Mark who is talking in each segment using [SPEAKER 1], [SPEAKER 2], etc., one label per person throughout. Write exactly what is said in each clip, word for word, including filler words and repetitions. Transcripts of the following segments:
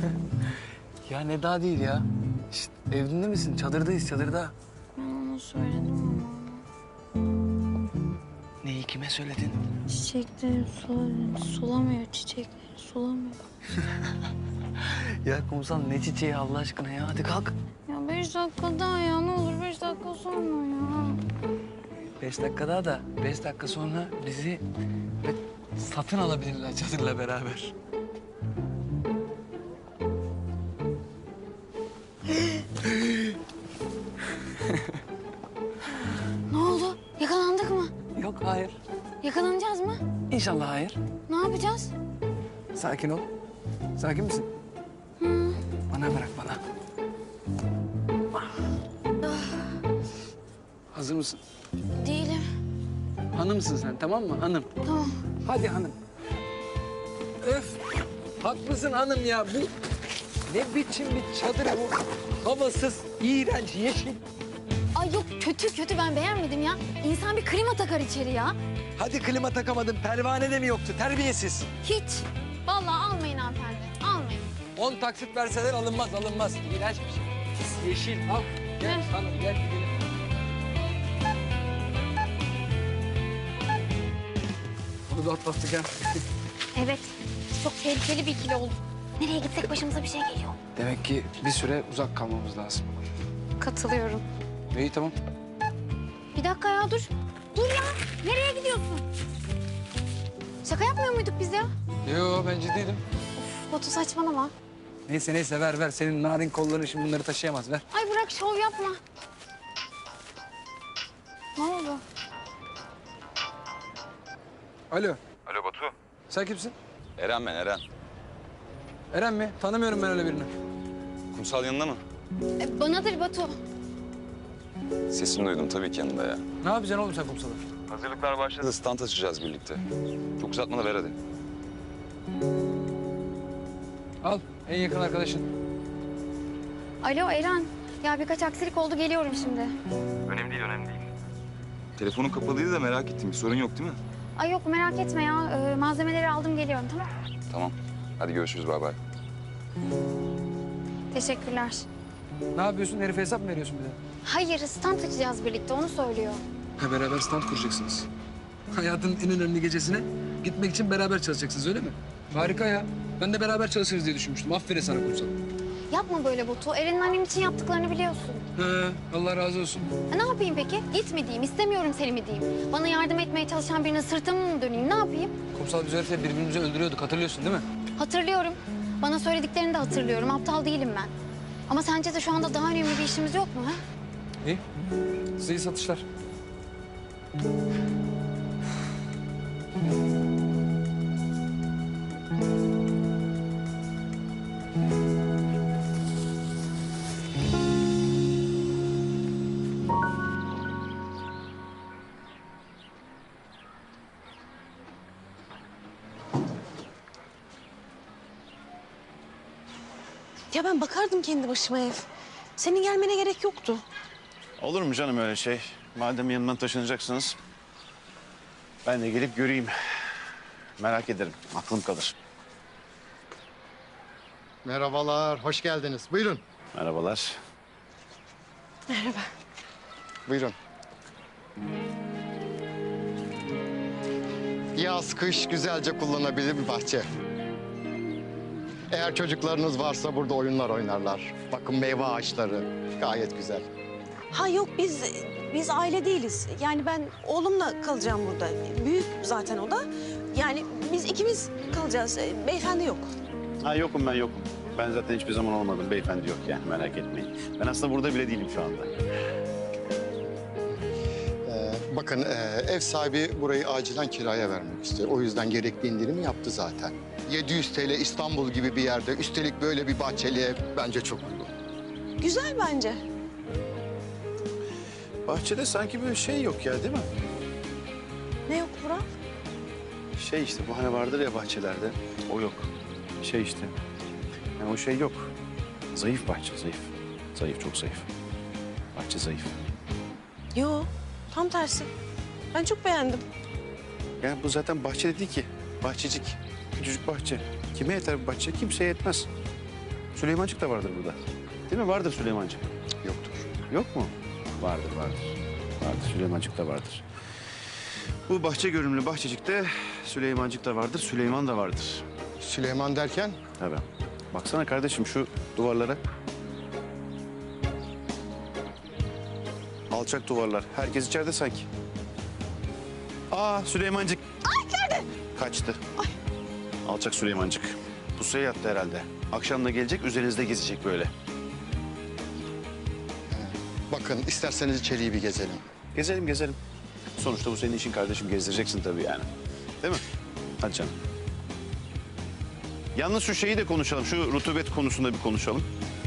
[SPEAKER 1] Ya ne daha değil ya. Şişt, evinde misin? Çadırdayız, çadırda.
[SPEAKER 2] Ben ona söyledim ama.
[SPEAKER 1] Neyi kime söyledin?
[SPEAKER 2] Çiçekleri sulamıyor, sulamıyor çiçekleri, sulamıyor.
[SPEAKER 1] Ya kumsal ne çiçeği Allah aşkına ya. Hadi kalk.
[SPEAKER 2] Ya beş dakika daha ya, ne olur beş dakika sonra ya.
[SPEAKER 1] Beş dakika daha da beş dakika sonra bizi ve satın alabilirler çadırla beraber.
[SPEAKER 2] Ne oldu? Yakalandık mı?
[SPEAKER 1] Yok, hayır.
[SPEAKER 2] Yakalanacağız mı?
[SPEAKER 1] İnşallah hayır.
[SPEAKER 2] Ne yapacağız?
[SPEAKER 1] Sakin ol. Sakin misin?
[SPEAKER 2] Hı.
[SPEAKER 1] Bana bırak bana. Hazır mısın?
[SPEAKER 2] Değilim.
[SPEAKER 1] Hanımsın sen, tamam mı? Hanım.
[SPEAKER 2] Tamam.
[SPEAKER 1] Hadi hanım. Öf! Haklısın hanım ya. Bu ne biçim bir çadır bu? Havasız, iğrenç, yeşil.
[SPEAKER 2] Ay yok, kötü kötü, ben beğenmedim ya. İnsan bir klima takar içeri ya.
[SPEAKER 1] Hadi klima takamadın, pervane de mi yoktu? Terbiyesiz.
[SPEAKER 2] Hiç. Vallahi almayın hanımefendi, almayın.
[SPEAKER 1] On taksit verseler alınmaz, alınmaz. İğrenç bir şey. Pis yeşil, al. Gel
[SPEAKER 2] Ne?
[SPEAKER 1] hanım, gel gidelim. Bunu da atlattık ha.
[SPEAKER 2] Evet, çok tehlikeli bir ikili olduk. Nereye gitsek başımıza bir şey geliyor.
[SPEAKER 1] Demek ki bir süre uzak kalmamız lazım.
[SPEAKER 2] Katılıyorum.
[SPEAKER 1] İyi, tamam.
[SPEAKER 2] Bir dakika ya, dur. Dur ya, nereye gidiyorsun? Şaka yapmıyor muyduk biz ya?
[SPEAKER 1] Yo, ben ciddiydim.
[SPEAKER 2] Of, Batu saçmalama.
[SPEAKER 1] Neyse neyse, ver ver. Senin narin kolların şimdi bunları taşıyamaz, ver.
[SPEAKER 2] Ay bırak, şov yapma. Ne oldu?
[SPEAKER 1] Alo,
[SPEAKER 3] Alo Batu.
[SPEAKER 1] sen kimsin?
[SPEAKER 3] Eren ben Eren.
[SPEAKER 1] Eren mi? Tanımıyorum ben öyle birini.
[SPEAKER 3] Kumsal yanında mı?
[SPEAKER 2] E, banadır Batu.
[SPEAKER 3] Sesini duydum tabii ki yanında ya.
[SPEAKER 1] Ne yapacaksın oğlum sen kumsalı?
[SPEAKER 3] Hazırlıklar başladı. Stand açacağız birlikte. Çok uzatma da ver hadi.
[SPEAKER 1] Al, en yakın arkadaşın.
[SPEAKER 2] Alo Eren. Ya birkaç aksilik oldu, geliyorum şimdi.
[SPEAKER 3] Önemli değil, önemli değil. Telefonun kapalıydı da merak ettim. Bir sorun yok değil mi?
[SPEAKER 2] Ay yok, merak etme ya. Ee, malzemeleri aldım, geliyorum, tamam.
[SPEAKER 3] Tamam. Hadi görüşürüz, bay bay.
[SPEAKER 2] Teşekkürler.
[SPEAKER 1] Ne yapıyorsun? Herife hesap mı veriyorsun bir de?
[SPEAKER 2] Hayır, stand açacağız birlikte, onu söylüyor.
[SPEAKER 1] Ha, beraber stand kuracaksınız. Hayatın en önemli gecesine gitmek için beraber çalışacaksınız, öyle mi? Harika ya. Ben de beraber çalışırız diye düşünmüştüm. Aferin sana kumsal.
[SPEAKER 2] Yapma böyle Batu. Eren'in annem için yaptıklarını biliyorsun.
[SPEAKER 1] He, Allah razı olsun.
[SPEAKER 2] E, ne yapayım peki? Git mi diyeyim, istemiyorum seni mi diyeyim? Bana yardım etmeye çalışan birine sırtımı mı döneyim, ne yapayım?
[SPEAKER 1] Kumsal, biz herifle birbirimizi öldürüyorduk, hatırlıyorsun değil mi?
[SPEAKER 2] Hatırlıyorum. Bana söylediklerini de hatırlıyorum. Aptal değilim ben. Ama sence de şu anda daha önemli bir işimiz yok mu ha?
[SPEAKER 1] İyi. Size iyi satışlar.
[SPEAKER 4] Ya ben bakardım kendi başıma ev. Senin gelmene gerek yoktu.
[SPEAKER 5] Olur mu canım öyle şey? Madem yanından taşınacaksınız, ben de gelip göreyim. Merak ederim, aklım kalır.
[SPEAKER 6] Merhabalar, hoş geldiniz. Buyurun.
[SPEAKER 5] Merhabalar.
[SPEAKER 4] Merhaba.
[SPEAKER 6] Buyurun. Yaz, kış güzelce kullanabilir bir bahçe. Eğer çocuklarınız varsa burada oyunlar oynarlar. Bakın meyve ağaçları gayet güzel.
[SPEAKER 4] Ha yok, biz biz aile değiliz. Yani ben oğlumla kalacağım burada. Büyük zaten o da. Yani biz ikimiz kalacağız. E, Beyefendi yok.
[SPEAKER 5] Ha yokum ben yokum. Ben zaten hiçbir zaman olmadım. Beyefendi yok yani, merak etmeyin. Ben aslında burada bile değilim şu anda.
[SPEAKER 6] Ee, bakın e, ev sahibi burayı acilen kiraya vermek istiyor. O yüzden gerekli indirimi yaptı zaten. yedi yüz TL İstanbul gibi bir yerde, üstelik böyle bir bahçeli ev bence çok uygun.
[SPEAKER 4] Güzel bence.
[SPEAKER 5] Bahçede sanki böyle şey yok ya, değil mi?
[SPEAKER 4] Ne yok Burak?
[SPEAKER 5] Şey işte, bu hani vardır ya bahçelerde, o yok. Şey işte, yani o şey yok. Zayıf bahçe, zayıf. Zayıf, çok zayıf. Bahçe zayıf.
[SPEAKER 4] Yo, tam tersi. Ben çok beğendim.
[SPEAKER 5] Yani bu zaten bahçe değil ki, bahçecik. Küçücük bahçe. Kime yeter bu bahçe? Kimseye yetmez. Süleymancık da vardır burada. Değil mi? Vardır Süleymancık.
[SPEAKER 6] Yoktur.
[SPEAKER 5] Yok mu? Vardır, vardır. Vardır, Süleymancık da vardır. Bu bahçe görünümlü bahçecikte Süleymancık da vardır, Süleyman da vardır.
[SPEAKER 6] Süleyman derken?
[SPEAKER 5] Tabii. Baksana kardeşim şu duvarlara. Alçak duvarlar. Herkes içeride sanki. Aa Süleymancık. Ay nerede? Kaçtı. Ay. Alçak Süleymancık. Pusuya yattı herhalde. Akşam da gelecek, üzerinizde gezecek böyle.
[SPEAKER 6] Bakın isterseniz içeriği bir gezelim.
[SPEAKER 5] Gezelim, gezelim. Sonuçta bu senin işin kardeşim. Gezdireceksin tabii yani. Değil mi? Hadi canım. Yalnız şu şeyi de konuşalım. Şu rutubet konusunda bir konuşalım.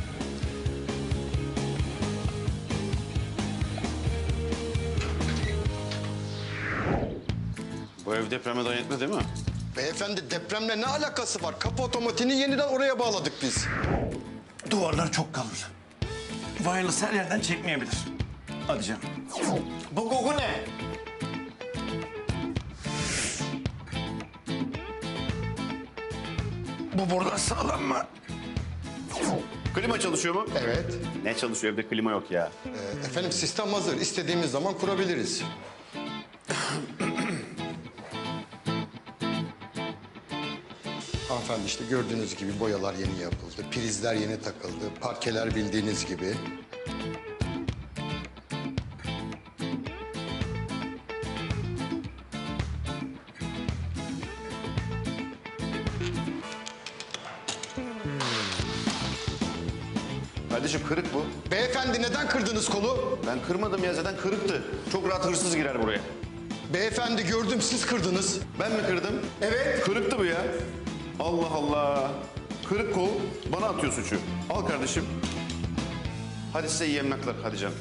[SPEAKER 5] Bu ev depreme dayanıklı değil mi?
[SPEAKER 6] Beyefendi depremle ne alakası var? Kapı otomatiğini yeniden oraya bağladık biz.
[SPEAKER 5] Duvarlar çok kalın. Wireless her yerden çekmeyebilir. Hadi canım. Bu koku ne? Bu buradan sağlam mı? Klima çalışıyor mu?
[SPEAKER 6] Evet.
[SPEAKER 5] Ne çalışıyor? Evde klima yok ya.
[SPEAKER 6] Ee, efendim sistem hazır. İstediğimiz zaman kurabiliriz. Hanımefendi işte gördüğünüz gibi boyalar yeni yapıldı. Prizler yeni takıldı. Parkeler bildiğiniz gibi.
[SPEAKER 5] Kardeşim kırık bu.
[SPEAKER 6] Beyefendi neden kırdınız kolu?
[SPEAKER 5] Ben kırmadım ya, zaten kırıktı. Çok rahat hırsız girer buraya.
[SPEAKER 6] Beyefendi gördüm siz kırdınız.
[SPEAKER 5] Ben mi kırdım?
[SPEAKER 6] Evet.
[SPEAKER 5] Kırıktı bu ya. Allah Allah. Kırık kol bana atıyor suçu. Al kardeşim. Hadi size iyi yemekler. Hadi canım.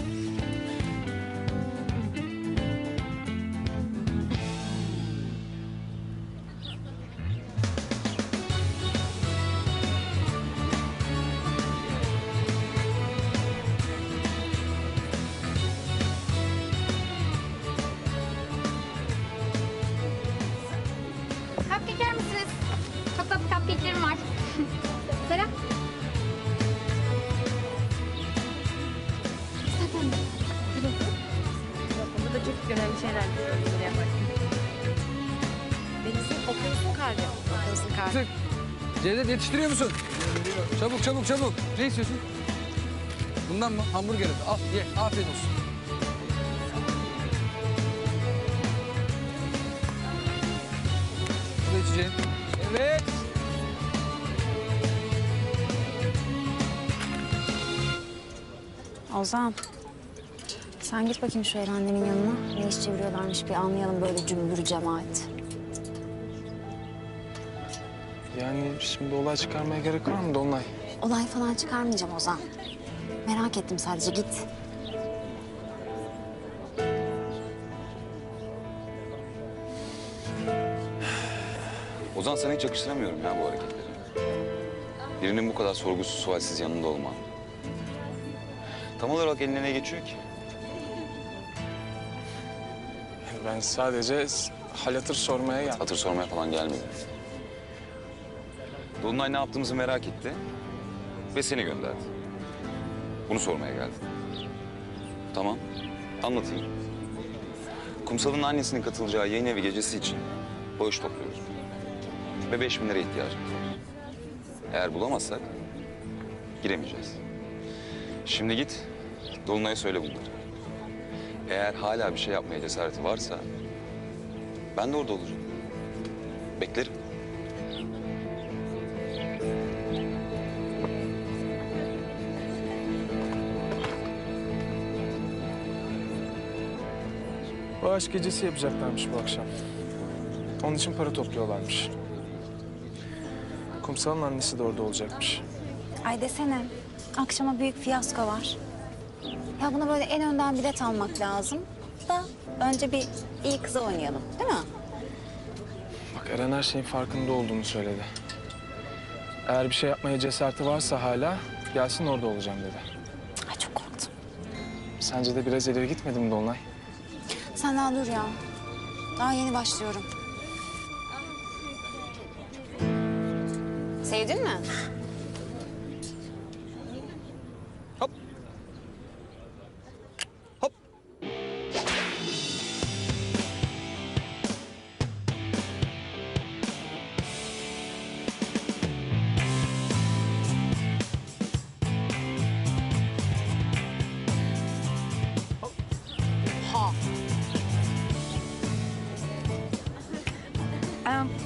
[SPEAKER 2] Cupcake yer misiniz? Çok tatlı cupcake'lerim var. Selam. Zaten
[SPEAKER 4] Burada çok önemli şeyler buraya bak. Deniz'in okyanusun kalbi. Okyanusun kalbi.
[SPEAKER 1] Tık. Cevdet yetiştiriyor musun? Çabuk çabuk çabuk. Ne istiyorsun? Bundan mı? Hamburger. Al ye. Afiyet olsun. Bu da içeceğin. Evet.
[SPEAKER 2] Ozan. Sen git bakayım şu annemin yanına. Ne iş çeviriyorlarmış bir anlayalım böyle cümbür cemaat.
[SPEAKER 7] Yani şimdi olay çıkarmaya gerek var mı Dolunay?
[SPEAKER 2] Olay falan çıkarmayacağım Ozan. Merak ettim sadece git.
[SPEAKER 3] Ozan sana hiç yakıştıramıyorum ya bu hareketleri. Birinin bu kadar sorgusuz sualsiz yanında olman. Tam olarak eline ne geçiyor ki?
[SPEAKER 7] Ben sadece hal hatır sormaya geldim.
[SPEAKER 3] Hatır sormaya falan gelmedim. Dolunay ne yaptığımızı merak etti ve seni gönderdi. Bunu sormaya geldi. Tamam, anlatayım. Kumsal'ın annesinin katılacağı yayın evi gecesi için bağış topluyoruz. Ve beş bin liraya ihtiyacımız var. Eğer bulamazsak giremeyeceğiz. Şimdi git, Dolunay'a söyle bunları. Eğer hala bir şey yapmaya cesareti varsa ben de orada olacağım. Beklerim.
[SPEAKER 7] Bağış gecesi yapacaklarmış bu akşam. Onun için para topluyorlarmış. Kumsal'ın annesi de orada olacakmış.
[SPEAKER 2] Ay desene, akşama büyük fiyasko var. Ya buna böyle en önden bilet almak lazım. Da önce bir iyi kıza oynayalım, değil mi?
[SPEAKER 7] Bak Eren her şeyin farkında olduğunu söyledi. Eğer bir şey yapmaya cesareti varsa hala gelsin orada olacağım dedi.
[SPEAKER 2] Ay çok korktum.
[SPEAKER 7] Sence de biraz ileri gitmedi mi Dolunay?
[SPEAKER 2] Sen daha dur ya. Daha yeni başlıyorum. Sevdin mi?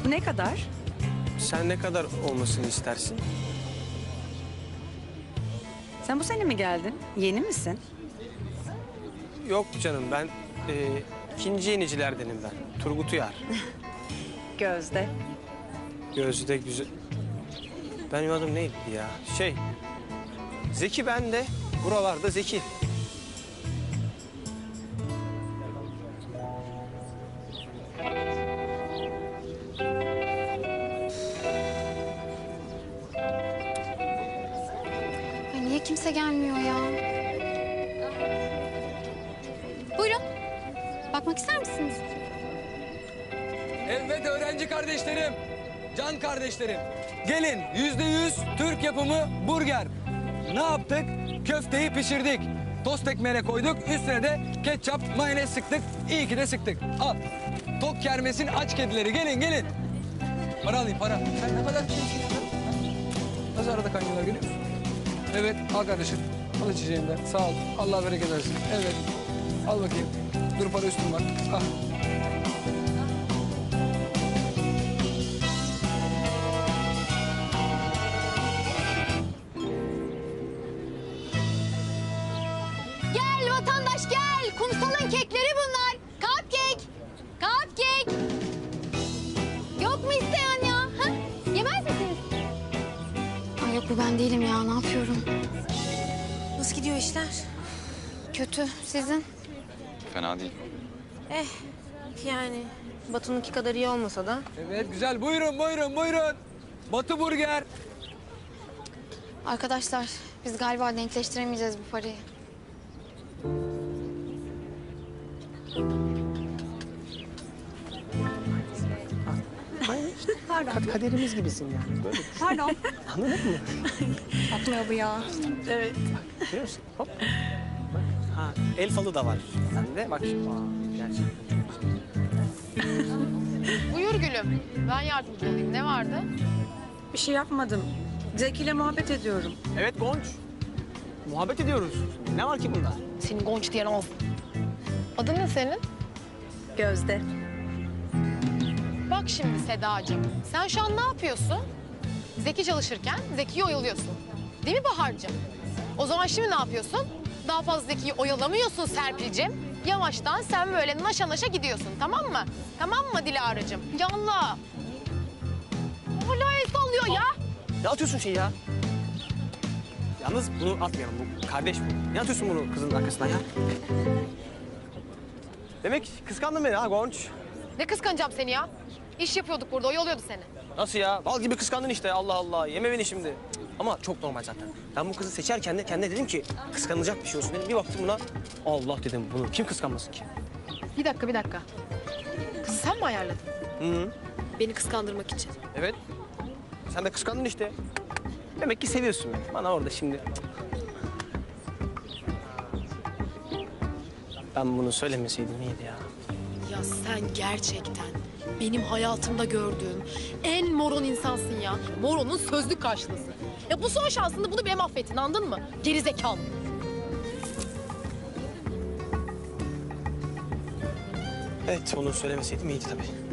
[SPEAKER 8] Bu ne kadar?
[SPEAKER 9] Sen ne kadar olmasını istersin?
[SPEAKER 8] Sen bu sene mi geldin? Yeni misin?
[SPEAKER 9] Yok canım ben e, ikinci yenicilerdenim ben. Turgut Uyar.
[SPEAKER 8] Gözde.
[SPEAKER 9] Gözde güzel. Benim adım neydi ya? Şey, Zeki ben de. Buralarda Zeki.
[SPEAKER 2] Ay niye kimse gelmiyor ya? Buyurun. Bakmak ister misiniz?
[SPEAKER 1] Evet öğrenci kardeşlerim, can kardeşlerim. Gelin yüzde yüz Türk yapımı burger. Ne yaptık? Köfteyi pişirdik. Tost ekmeğine koyduk. Üstüne de ketçap, mayonez sıktık. İyi ki de sıktık. Al. Tok kermesin aç kedileri. Gelin gelin. Para alayım para. Sen ne kadar çirkin ya. Nasıl arada kaynıyorlar görüyor musun? Evet al kardeşim. Al içeceğinden. Sağ ol. Allah bereket versin. Evet. Al bakayım. Dur para üstüm var. Al.
[SPEAKER 2] Gel vatandaş gel. Kumsalın kekleri bunlar. Cupcake. Cupcake. Yok mu isteyen ya? Ha? Yemez misiniz? Ay yok bu ben değilim ya. Ne yapıyorum?
[SPEAKER 4] Nasıl gidiyor işler?
[SPEAKER 2] Kötü. Sizin?
[SPEAKER 3] Fena değil.
[SPEAKER 4] Eh yani Batu'nunki kadar iyi olmasa da.
[SPEAKER 1] Evet güzel. Buyurun buyurun buyurun. Batı burger.
[SPEAKER 2] Arkadaşlar biz galiba denkleştiremeyeceğiz bu parayı.
[SPEAKER 9] Kad- kaderimiz gibisin yani. Böyle.
[SPEAKER 8] Pardon.
[SPEAKER 9] Anladın mı?
[SPEAKER 8] Atmıyor bu ya.
[SPEAKER 9] Evet. Görüyor musun? Hop. Bak. Ha, el falı da var sende. Bak. Aa, gerçekten çok güzel.
[SPEAKER 10] Buyur gülüm. Ben yardımcı olayım. Ne vardı?
[SPEAKER 8] Bir şey yapmadım. Zeki ile muhabbet ediyorum.
[SPEAKER 9] Evet Gonç. Muhabbet ediyoruz. Ne var ki bunda?
[SPEAKER 10] Senin Gonç diyen olsun. Adın ne senin?
[SPEAKER 8] Gözde.
[SPEAKER 10] Bak şimdi Sedacığım. Sen şu an ne yapıyorsun? Zeki çalışırken Zeki'yi oyalıyorsun. Değil mi Bahar'cığım? O zaman şimdi ne yapıyorsun? Daha fazla Zeki'yi oyalamıyorsun Serpil'cim. Yavaştan sen böyle naşa naşa gidiyorsun. Tamam mı? Tamam mı Dilara'cığım? Yallah. Hala el sallıyor ya.
[SPEAKER 9] Ne atıyorsun şey ya? Yalnız bunu atmayalım. Bu kardeş bu. Ne atıyorsun bunu kızın arkasından ya? Demek kıskandın beni ha Gonç.
[SPEAKER 10] Ne kıskanacağım seni ya? İş yapıyorduk burada, oyalıyordu seni.
[SPEAKER 9] Nasıl ya? Bal gibi kıskandın işte. Allah Allah. Yeme beni şimdi. Cık, ama çok normal zaten. Ben bu kızı seçerken de kendine dedim ki kıskanılacak bir şey olsun dedim. Bir baktım buna. Allah dedim bunu. Kim kıskanmasın ki?
[SPEAKER 10] Bir dakika, bir dakika. Kızı sen mi ayarladın?
[SPEAKER 9] Hı hı.
[SPEAKER 10] Beni kıskandırmak için.
[SPEAKER 9] Evet. Sen de kıskandın işte. Demek ki seviyorsun beni. Bana orada şimdi... Ben bunu söylemeseydim iyiydi ya.
[SPEAKER 10] Ya sen gerçekten benim hayatımda gördüğüm en moron insansın ya. Moronun sözlük karşılığı. Ya bu son şansında bunu bile mahvettin, anladın mı? Geri zekalı.
[SPEAKER 9] Evet, onu söylemeseydim iyiydi tabii.